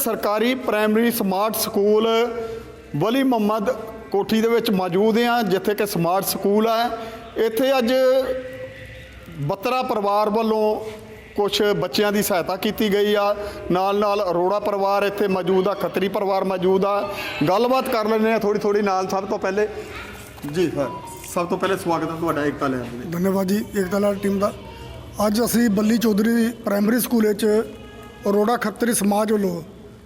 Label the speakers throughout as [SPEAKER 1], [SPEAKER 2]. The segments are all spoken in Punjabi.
[SPEAKER 1] ਸਰਕਾਰੀ primary smart school Wali Muhammad Kothi ਦੇ ਵਿੱਚ ਮੌਜੂਦ ਹਾਂ, ਜਿੱਥੇ ਕਿ ਸਮਾਰਟ ਸਕੂਲ ਹੈ। ਇੱਥੇ ਅੱਜ ਬੱਤਰਾ ਪਰਿਵਾਰ ਵੱਲੋਂ ਕੁਛ ਬੱਚਿਆਂ ਦੀ ਸਹਾਇਤਾ ਕੀਤੀ ਗਈ ਆ। ਨਾਲ ਅਰੋੜਾ ਪਰਿਵਾਰ ਇੱਥੇ ਮੌਜੂਦ ਆ, ਖੱਤਰੀ ਪਰਿਵਾਰ ਮੌਜੂਦ ਆ। ਗੱਲਬਾਤ ਕਰ ਲੈਂਦੇ ਆ ਥੋੜੀ ਨਾਲ। ਸਭ ਤੋਂ ਪਹਿਲੇ ਜੀ ਸਭ ਤੋਂ ਪਹਿਲੇ ਸਵਾਗਤ ਹੈ ਤੁਹਾਡਾ ਏਕਤਾ ਲਹਿਰ ਦੇ।
[SPEAKER 2] ਧੰਨਵਾਦ ਜੀ ਏਕਤਾ ਲਹਿਰ ਟੀਮ ਦਾ। ਅੱਜ ਅਸੀਂ ਬੱਲੀ ਚੌਧਰੀ ਪ੍ਰਾਇਮਰੀ ਸਕੂਲ ਵਿੱਚ ਅਰੋੜਾ ਖੱਤਰੀ ਸਮਾਜ ਵੱਲੋਂ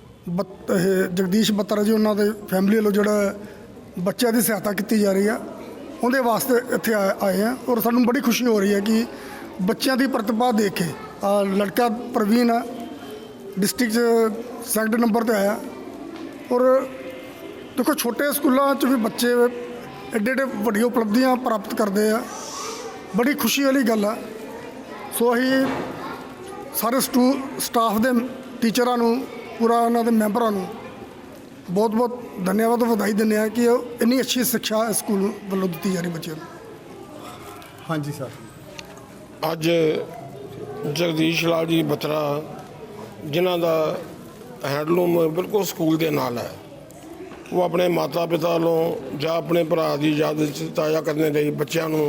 [SPEAKER 2] ਜਗਦੀਸ਼ ਬੱਤਰਾ ਜੀ ਉਹਨਾਂ ਦੇ ਫੈਮਿਲੀ ਵੱਲੋਂ ਜਿਹੜਾ ਬੱਚਿਆਂ ਦੀ ਸਹਾਇਤਾ ਕੀਤੀ ਜਾ ਰਹੀ ਆ, ਉਹਦੇ ਵਾਸਤੇ ਇੱਥੇ ਆਏ ਆ। ਔਰ ਸਾਨੂੰ ਬੜੀ ਖੁਸ਼ੀ ਹੋ ਰਹੀ ਹੈ ਕਿ ਬੱਚਿਆਂ ਦੀ ਪ੍ਰਤਿਭਾ ਦੇਖ ਕੇ ਲੜਕਾ ਪ੍ਰਵੀਨ ਆ, ਡਿਸਟ੍ਰਿਕਟ 'ਚ ਸੈਕੰਡ ਨੰਬਰ 'ਤੇ ਆਇਆ। ਔਰ ਦੇਖੋ ਛੋਟੇ ਸਕੂਲਾਂ 'ਚ ਵੀ ਬੱਚੇ ਐਡੇ ਵੱਡੀਆਂ ਉਪਲਬਧੀਆਂ ਪ੍ਰਾਪਤ ਕਰਦੇ ਆ, ਬੜੀ ਖੁਸ਼ੀ ਵਾਲੀ ਗੱਲ ਆ। ਸੋ ਅਸੀਂ ਸਾਰੇ ਸਟਾਫ ਦੇ ਟੀਚਰਾਂ ਨੂੰ, ਪੂਰਾ ਉਹਨਾਂ ਦੇ ਮੈਂਬਰਾਂ ਨੂੰ ਬਹੁਤ ਧੰਨਵਾਦ ਵਧਾਈ ਦਿੰਦੇ ਹਾਂ ਕਿ ਇੰਨੀ ਅੱਛੀ ਸਿੱਖਿਆ ਸਕੂਲ ਵੱਲੋਂ ਦਿੱਤੀ ਜਾ ਰਹੀ ਬੱਚਿਆਂ ਨੂੰ।
[SPEAKER 1] ਹਾਂਜੀ ਸਰ,
[SPEAKER 3] ਅੱਜ ਜਗਦੀਸ਼ ਲਾਲ ਜੀ ਬੱਤਰਾ ਜਿਨ੍ਹਾਂ ਦਾ ਹੈਂਡਲੂਮ ਬਿਲਕੁਲ ਸਕੂਲ ਦੇ ਨਾਲ ਹੈ, ਉਹ ਆਪਣੇ ਮਾਤਾ ਪਿਤਾ ਵੱਲੋਂ ਜਾਂ ਆਪਣੇ ਭਰਾ ਦੀ ਯਾਦ ਵਿੱਚ ਤਾਜ਼ਾ ਕਰਨ ਲਈ ਬੱਚਿਆਂ ਨੂੰ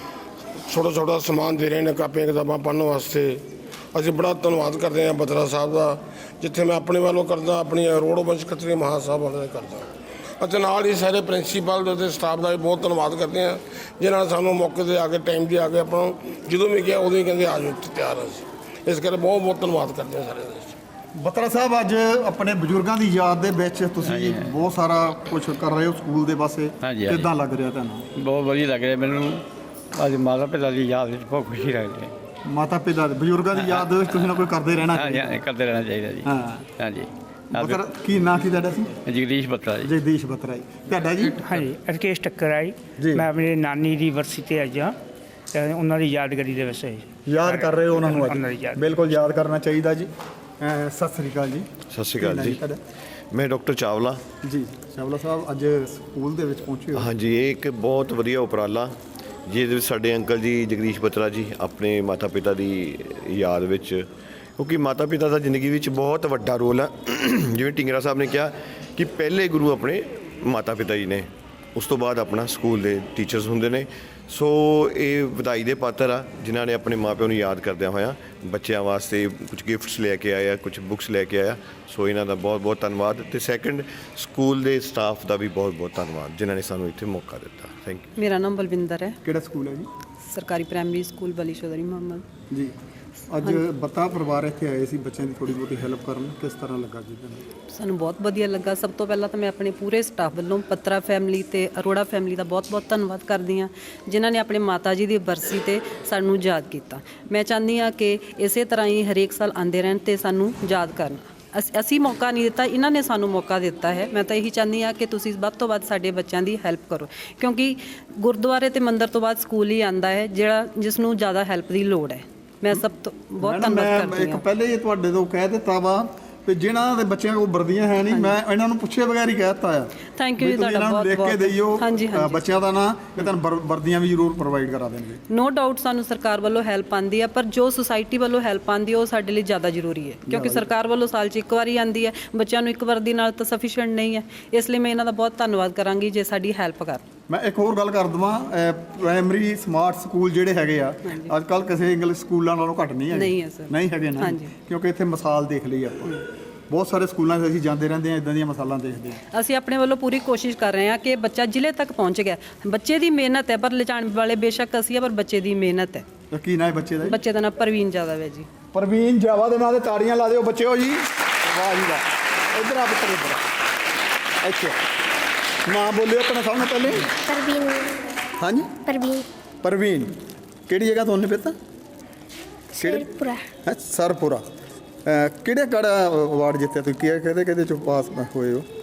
[SPEAKER 3] ਛੋਟਾ ਸਮਾਨ ਦੇ ਰਹੇ ਨੇ, ਕਾਪੀਆਂ ਕਿਤਾਬਾਂ ਪੜ੍ਹਨ ਵਾਸਤੇ। ਅਸੀਂ ਬੜਾ ਧੰਨਵਾਦ ਕਰਦੇ ਹਾਂ ਬੱਤਰਾ ਸਾਹਿਬ ਦਾ। ਜਿੱਥੇ ਮੈਂ ਆਪਣੇ ਵੱਲੋਂ ਕਰਦਾ, ਆਪਣੀ ਰੋਡ ਵੰਸ਼ ਖੱਤਰੀ ਮਹਾਂ ਸਾਹਿਬ ਵੱਲੋਂ ਕਰਦਾ, ਅਤੇ ਨਾਲ ਹੀ ਸਾਰੇ ਪ੍ਰਿੰਸੀਪਲ ਅਤੇ ਸਟਾਫ ਦਾ ਵੀ ਬਹੁਤ ਧੰਨਵਾਦ ਕਰਦੇ ਹਾਂ, ਜਿਨ੍ਹਾਂ ਨੇ ਸਾਨੂੰ ਮੌਕੇ 'ਤੇ ਆ ਕੇ ਟਾਈਮ 'ਤੇ ਆ ਕੇ ਆਪਾਂ ਨੂੰ ਜਦੋਂ ਵੀ ਕਿਹਾ ਉਦੋਂ ਹੀ ਕਹਿੰਦੇ ਆ ਜਾਓ, ਤਿਆਰ ਹਾਂ ਅਸੀਂ। ਇਸ ਕਰਕੇ ਬਹੁਤ ਧੰਨਵਾਦ ਕਰਦੇ ਹਾਂ ਸਾਰੇ ਦੇ।
[SPEAKER 1] ਬੱਤਰਾ ਸਾਹਿਬ ਅੱਜ ਆਪਣੇ ਬਜ਼ੁਰਗਾਂ ਦੀ ਯਾਦ ਦੇ ਵਿੱਚ ਤੁਸੀਂ ਬਹੁਤ ਸਾਰਾ ਕੁਝ ਕਰ ਰਹੇ ਹੋ ਸਕੂਲ ਦੇ ਪਾਸੇ, ਕਿੱਦਾਂ ਲੱਗ ਰਿਹਾ ਤੁਹਾਨੂੰ?
[SPEAKER 4] ਬਹੁਤ ਵਧੀਆ ਲੱਗ ਰਿਹਾ ਮੈਨੂੰ। ਅੱਜ ਮਾਤਾ ਪਿਤਾ ਦੀ ਯਾਦ ਵਿੱਚ ਬਹੁਤ ਖੁਸ਼ੀ ਲੱਗ ਰਹੀ ਹੈ।
[SPEAKER 1] ਮਾਤਾ ਪਿਤਾ ਬਜ਼ੁਰਗਾਂ ਦੀ ਯਾਦ ਵਿੱਚ ਤੁਸੀਂ ਨਾ ਕੋਈ ਕਰਦੇ ਰਹਿਣਾ ਚਾਹੀਦਾ।
[SPEAKER 4] ਹਾਂਜੀ, ਕਰਦੇ ਰਹਿਣਾ ਚਾਹੀਦਾ ਜੀ। ਹਾਂਜੀ।
[SPEAKER 1] ਬੱਤਰਾ ਕੀ ਨਾਂ ਕੀ ਤੁਹਾਡਾ ਸੀ?
[SPEAKER 4] ਜਗਦੀਸ਼ ਬੱਤਰਾ ਜੀ।
[SPEAKER 1] ਜਗਦੀਸ਼ ਬੱਤਰਾ ਜੀ। ਤੁਹਾਡਾ ਜੀ?
[SPEAKER 5] ਹਾਂਜੀ, ਰਕੇਸ਼ ਟੱਕਰ ਆਈ। ਮੈਂ ਆਪਣੀ ਨਾਨੀ ਦੀ ਵਰਸੀ 'ਤੇ ਅੱਜ ਹਾਂ, ਤੇ ਉਹਨਾਂ ਦੀ ਯਾਦਗਾਰੀ ਦੇ ਵਿੱਚ
[SPEAKER 1] ਯਾਦ ਕਰ ਰਹੇ ਹੋ ਉਹਨਾਂ ਨੂੰ
[SPEAKER 5] ਅੱਜ?
[SPEAKER 1] ਬਿਲਕੁਲ ਯਾਦ ਕਰਨਾ ਚਾਹੀਦਾ ਜੀ। ਸਤਿ ਸ੍ਰੀ ਅਕਾਲ ਜੀ।
[SPEAKER 6] ਸਤਿ ਸ਼੍ਰੀ ਅਕਾਲ ਜੀ। ਮੈਂ ਡਾਕਟਰ ਚਾਵਲਾ
[SPEAKER 1] ਜੀ। ਚਾਵਲਾ ਸਾਹਿਬ ਅੱਜ ਸਕੂਲ ਦੇ ਵਿੱਚ ਪਹੁੰਚੇ ਹੋ।
[SPEAKER 6] ਹਾਂਜੀ, ਇਹ ਇੱਕ ਬਹੁਤ ਵਧੀਆ ਉਪਰਾਲਾ ਜਿਹਦੇ ਵਿੱਚ ਸਾਡੇ ਅੰਕਲ ਜੀ ਜਗਦੀਸ਼ ਬੱਤਰਾ ਜੀ ਆਪਣੇ ਮਾਤਾ ਪਿਤਾ ਦੀ ਯਾਦ ਵਿੱਚ, ਕਿਉਂਕਿ ਮਾਤਾ ਪਿਤਾ ਦਾ ਜ਼ਿੰਦਗੀ ਵਿੱਚ ਬਹੁਤ ਵੱਡਾ ਰੋਲ ਹੈ। ਜਿਵੇਂ ਢਿੰਗਰਾ ਸਾਹਿਬ ਨੇ ਕਿਹਾ ਕਿ ਪਹਿਲੇ ਗੁਰੂ ਆਪਣੇ ਮਾਤਾ ਪਿਤਾ ਜੀ ਨੇ, ਉਸ ਤੋਂ ਬਾਅਦ ਆਪਣਾ ਸਕੂਲ ਦੇ ਟੀਚਰਸ ਹੁੰਦੇ ਨੇ। ਸੋ ਇਹ ਵਧਾਈ ਦੇ ਪਾਤਰ ਆ ਜਿਨ੍ਹਾਂ ਨੇ ਆਪਣੇ ਮਾਂ ਪਿਓ ਨੂੰ ਯਾਦ ਕਰਦਿਆਂ ਹੋਇਆਂ ਬੱਚਿਆਂ ਵਾਸਤੇ ਕੁਝ ਗਿਫਟਸ ਲੈ ਕੇ ਆਇਆ, ਕੁਝ ਬੁੱਕਸ ਲੈ ਕੇ ਆਇਆ। ਸੋ ਇਹਨਾਂ ਦਾ ਬਹੁਤ ਧੰਨਵਾਦ। ਅਤੇ ਸੈਕਿੰਡ, ਸਕੂਲ ਦੇ ਸਟਾਫ ਦਾ ਵੀ ਬਹੁਤ ਧੰਨਵਾਦ ਜਿਨ੍ਹਾਂ ਨੇ ਸਾਨੂੰ ਇੱਥੇ ਮੌਕਾ ਦਿੱਤਾ। Thank you.
[SPEAKER 7] ਮੇਰਾ ਨਾਮ ਬਲਵਿੰਦਰ ਹੈ।
[SPEAKER 1] ਕਿਹੜਾ ਸਕੂਲ ਹੈ ਜੀ?
[SPEAKER 7] ਸਰਕਾਰੀ ਪ੍ਰਾਇਮਰੀ ਸਕੂਲ ਵਲੀ ਚੌਧਰੀ ਮੁਹੰਮਦ
[SPEAKER 1] ਜੀ। ਅੱਜ ਬੱਤਰਾ ਪਰਿਵਾਰ ਇੱਥੇ ਆਏ ਸੀ ਬੱਚਿਆਂ ਦੀ ਥੋੜ੍ਹੀ ਬਹੁਤੀ ਹੈਲਪ ਕਰਨ, ਕਿਸ ਤਰ੍ਹਾਂ ਲੱਗਾ ਜੀ ਤੁਹਾਨੂੰ?
[SPEAKER 7] ਸਾਨੂੰ ਬਹੁਤ ਵਧੀਆ ਲੱਗਾ। ਸਭ ਤੋਂ ਪਹਿਲਾਂ ਤਾਂ ਮੈਂ ਆਪਣੇ ਪੂਰੇ ਸਟਾਫ ਵੱਲੋਂ ਬੱਤਰਾ ਫੈਮਿਲੀ ਤੇ ਅਰੋੜਾ ਫੈਮਿਲੀ ਦਾ ਬਹੁਤ ਧੰਨਵਾਦ ਕਰਦੀ ਹਾਂ, ਜਿਨ੍ਹਾਂ ਨੇ ਆਪਣੇ ਮਾਤਾ ਜੀ ਦੀ ਬਰਸੀ 'ਤੇ ਸਾਨੂੰ ਯਾਦ ਕੀਤਾ। ਮੈਂ ਚਾਹੁੰਦੀ ਹਾਂ ਕਿ ਇਸੇ ਤਰ੍ਹਾਂ ਹੀ ਹਰੇਕ ਸਾਲ ਆਉਂਦੇ ਰਹਿਣ ਅਤੇ ਸਾਨੂੰ ਯਾਦ ਕਰਨ। ਅਸੀਂ ਮੌਕਾ ਨਹੀਂ ਦਿੱਤਾ, ਇਹਨਾਂ ਨੇ ਸਾਨੂੰ ਮੌਕਾ ਦਿੱਤਾ ਹੈ। ਮੈਂ ਤਾਂ ਇਹੀ ਚਾਹੁੰਦੀ ਹਾਂ ਕਿ ਤੁਸੀਂ ਵੱਧ ਤੋਂ ਵੱਧ ਸਾਡੇ ਬੱਚਿਆਂ ਦੀ ਹੈਲਪ ਕਰੋ, ਕਿਉਂਕਿ ਗੁਰਦੁਆਰੇ ਅਤੇ ਮੰਦਿਰ ਤੋਂ ਬਾਅਦ ਸਕੂਲ ਹੀ ਆਉਂਦਾ ਹੈ ਜਿਸ ਨੂੰ ਜ਼ਿਆਦਾ ਹੈਲਪ ਦੀ ਲੋੜ ਹੈ। ਮੈਂ ਸਭ ਤੋਂ ਬਹੁਤ ਧੰਨਵਾਦ ਕਰਦੀ ਹਾਂ।
[SPEAKER 1] ਇੱਕ ਪਹਿਲੇ ਹੀ ਤੁਹਾਡੇ ਤੋਂ ਕਹਿ ਦਿੱਤਾ ਵਾ ਵੀ ਜਿਹਨਾਂ ਦੇ ਬੱਚਿਆਂ ਕੋਲ ਵਰਦੀਆਂ ਹੈ ਨਹੀਂ, ਮੈਂ ਇਹਨਾਂ ਨੂੰ ਪੁੱਛੇ ਬਗੈਰ ਹੀ ਕਹਿ ਦਿੱਤਾ ਆ।
[SPEAKER 7] ਥੈਂਕ ਯੂ ਜੀ ਤੁਹਾਡਾ ਬਹੁਤ
[SPEAKER 1] ਲਿਖ ਕੇ ਦਈਓ
[SPEAKER 7] ਹਾਂਜੀ
[SPEAKER 1] ਬੱਚਿਆਂ ਦਾ ਨਾਂ, ਕਿ ਤੁਹਾਨੂੰ ਵਰਦੀਆਂ ਵੀ ਜ਼ਰੂਰ ਪ੍ਰੋਵਾਈਡ ਕਰਾ ਦੇਣਗੇ।
[SPEAKER 7] ਨੋ ਡਾਊਟ ਸਾਨੂੰ ਸਰਕਾਰ ਵੱਲੋਂ ਹੈਲਪ ਆਉਂਦੀ ਹੈ, ਪਰ ਜੋ ਸੁਸਾਇਟੀ ਵੱਲੋਂ ਹੈਲਪ ਆਉਂਦੀ ਹੈ ਉਹ ਸਾਡੇ ਲਈ ਜ਼ਿਆਦਾ ਜ਼ਰੂਰੀ ਹੈ, ਕਿਉਂਕਿ ਸਰਕਾਰ ਵੱਲੋਂ ਸਾਲ 'ਚ ਇੱਕ ਵਾਰੀ ਆਉਂਦੀ ਹੈ। ਬੱਚਿਆਂ ਨੂੰ ਇੱਕ ਵਰਦੀ ਨਾਲ ਤਾਂ ਸਫੀਸ਼ੀਐਂਟ ਨਹੀਂ ਹੈ, ਇਸ ਲਈ ਮੈਂ ਇਹਨਾਂ ਦਾ ਬਹੁਤ ਧੰਨਵਾਦ ਕਰਾਂਗੀ ਜੇ ਸਾਡੀ ਹੈਲਪ ਕਰਨ।
[SPEAKER 1] ਮੈਂ ਇੱਕ ਹੋਰ ਗੱਲ ਕਰ ਦੇਵਾਂ, ਪ੍ਰਾਇਮਰੀ ਸਮਾਰਟ ਸਕੂਲ ਜਿਹੜੇ ਹੈਗੇ ਆ ਅੱਜ ਕੱਲ੍ਹ ਕਿਸੇ ਇੰਗਲਿਸ਼ ਸਕੂਲਾਂ ਨਾਲੋਂ ਘੱਟ ਨਹੀਂ ਹੈਗੇ। ਨਹੀਂ ਹੈਗੇ ਨਾ, ਕਿਉਂਕਿ ਇੱਥੇ ਮਿਸਾਲ ਦੇਖ ਲਈ ਆਪਾਂ। ਬਹੁਤ ਸਾਰੇ ਸਕੂਲਾਂ 'ਚ ਅਸੀਂ ਜਾਂਦੇ ਰਹਿੰਦੇ ਹਾਂ, ਇੱਦਾਂ ਦੀਆਂ ਮਿਸਾਲਾਂ ਦੇਖਦੇ ਹਾਂ।
[SPEAKER 7] ਅਸੀਂ ਆਪਣੇ ਵੱਲੋਂ ਪੂਰੀ ਕੋਸ਼ਿਸ਼ ਕਰ ਰਹੇ ਹਾਂ ਕਿ ਬੱਚਾ ਜ਼ਿਲ੍ਹੇ ਤੱਕ ਪਹੁੰਚ ਗਿਆ। ਬੱਚੇ ਦੀ ਮਿਹਨਤ ਹੈ, ਪਰ ਲਿਜਾਣ ਵਾਲੇ ਬੇਸ਼ੱਕ ਅਸੀਂ ਆ, ਪਰ ਬੱਚੇ ਦੀ ਮਿਹਨਤ ਹੈ।
[SPEAKER 1] ਕੀ ਨਾਂ ਹੈ ਬੱਚੇ ਦਾ?
[SPEAKER 7] ਬੱਚੇ ਦਾ ਨਾਮ ਪ੍ਰਵੀਨ ਜਾਦਵ ਹੈ ਜੀ।
[SPEAKER 1] ਪ੍ਰਵੀਨ ਜਾਵਾ ਦੇ ਨਾਂ 'ਤੇ ਤਾੜੀਆਂ ਲਾ ਦਿਓ ਬੱਚਿਓ ਜੀ। ਵਾਹ ਜੀ ਵਾਹ। ਇੱਧਰ ਆ ਪੁੱਤਰ, ਇੱਧਰ ਇੱਥੇ ਨਾਂ ਬੋਲਿਓ ਆਪਣਾ ਸਾਹਮਣੇ ਪਹਿਲੇ।
[SPEAKER 8] ਪ੍ਰਵੀਨ।
[SPEAKER 1] ਹਾਂਜੀ ਪ੍ਰਵੀਨ। ਕਿਹੜੀ ਜਗ੍ਹਾ ਤੋਂ ਨੇ ਪਤਾ?
[SPEAKER 8] ਸਰਪੁਰਾ।
[SPEAKER 1] ਸਰਪੁਰਾ। ਕਿਹੜਾ ਅਵਾਰਡ ਜਿੱਤਿਆ ਤੁਸੀਂ? ਕਿਹਦੇ ਚੋਂ ਪਾਸ ਹੋਏ ਹੋ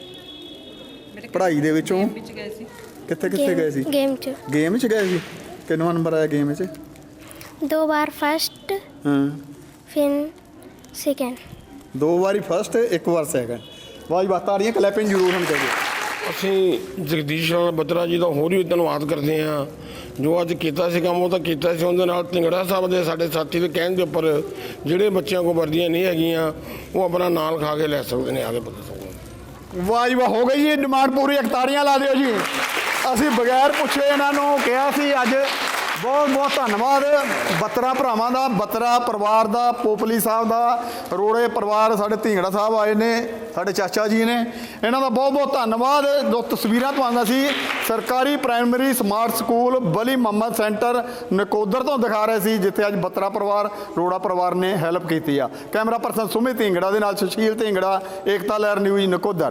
[SPEAKER 1] ਪੜ੍ਹਾਈ ਦੇ ਵਿੱਚੋਂ? ਕਿੱਥੇ ਗਏ ਸੀ? ਗੇਮ 'ਚ ਗਏ ਸੀ। ਕਿੰਨਾ ਨੰਬਰ ਆਇਆ ਗੇਮ 'ਚ?
[SPEAKER 8] 2 ਵਾਰ ਫਸਟ, ਫਿਰ ਸੈਕਿੰਡ।
[SPEAKER 1] 2 ਵਾਰੀ ਫਸਟ, 1 ਵਾਰ ਸੈਕਿੰਡ। ਵਾਹ ਜੀ ਵਾਹ, ਤਾੜੀਆਂ ਕਲੈਪਿੰਗ ਜ਼ਰੂਰ ਹੋਣੀ ਚਾਹੀਦੀ।
[SPEAKER 3] ਅਸੀਂ ਜਗਦੀਸ਼ ਲਾਲ ਬੱਤਰਾ ਜੀ ਦਾ ਹੋਰ ਵੀ ਧੰਨਵਾਦ ਕਰਦੇ ਹਾਂ। ਜੋ ਅੱਜ ਕੀਤਾ ਸੀ ਕੰਮ ਉਹ ਤਾਂ ਕੀਤਾ ਸੀ, ਉਹਦੇ ਨਾਲ ਢਿੰਗੜਾ ਸਾਹਿਬ ਦੇ ਸਾਡੇ ਸਾਥੀ ਦੇ ਕਹਿਣ ਦੇ ਉੱਪਰ ਜਿਹੜੇ ਬੱਚਿਆਂ ਕੋਲ ਵਰਦੀਆਂ ਨਹੀਂ ਹੈਗੀਆਂ ਉਹ ਆਪਣਾ ਨਾਂ ਲਿਖਾ ਕੇ ਲੈ ਸਕਦੇ ਨੇ, ਆਗੇ ਪਤਾ ਸਕਦਾ।
[SPEAKER 1] ਵਾਹ ਜੀ ਵਾਹ, ਹੋ ਗਈ ਜੀ ਡਿਮਾਂਡ ਪੂਰੀ। ਤਾੜੀਆਂ ਲਾ ਦਿਓ ਜੀ। ਅਸੀਂ ਬਗੈਰ ਪੁੱਛੇ ਇਹਨਾਂ ਨੂੰ ਕਿਹਾ ਸੀ। ਅੱਜ ਬਹੁਤ ਬਹੁਤ ਧੰਨਵਾਦ ਬੱਤਰਾ ਭਰਾਵਾਂ ਦਾ, ਬੱਤਰਾ ਪਰਿਵਾਰ ਦਾ, ਪੋਪਲੀ ਸਾਹਿਬ ਦਾ, ਰੋੜੇ ਪਰਿਵਾਰ, ਸਾਡੇ ਢਿੰਗੜਾ ਸਾਹਿਬ ਆਏ ਨੇ, ਸਾਡੇ ਚਾਚਾ ਜੀ ਨੇ, ਇਹਨਾਂ ਦਾ ਬਹੁਤ ਬਹੁਤ ਧੰਨਵਾਦ। ਦੋ ਤਸਵੀਰਾਂ ਤੁਹਾਨੂੰ ਅਸੀਂ ਸਰਕਾਰੀ primary smart school Wali Muhammad centre Nakodar ਤੋਂ ਦਿਖਾ ਰਹੇ ਸੀ, ਜਿੱਥੇ ਅੱਜ ਬੱਤਰਾ ਪਰਿਵਾਰ, ਰੋੜਾ ਪਰਿਵਾਰ ਨੇ ਹੈਲਪ ਕੀਤੀ ਆ। ਕੈਮਰਾ ਪਰਸਨ ਸੁਮਿਤ ਢਿੰਗੜਾ ਦੇ ਨਾਲ ਸੁਸ਼ੀਲ ਢਿੰਗੜਾ, ਏਕਤਾ ਲਹਿਰ ਨਿਊਜ਼ ਨਕੋਦਰ।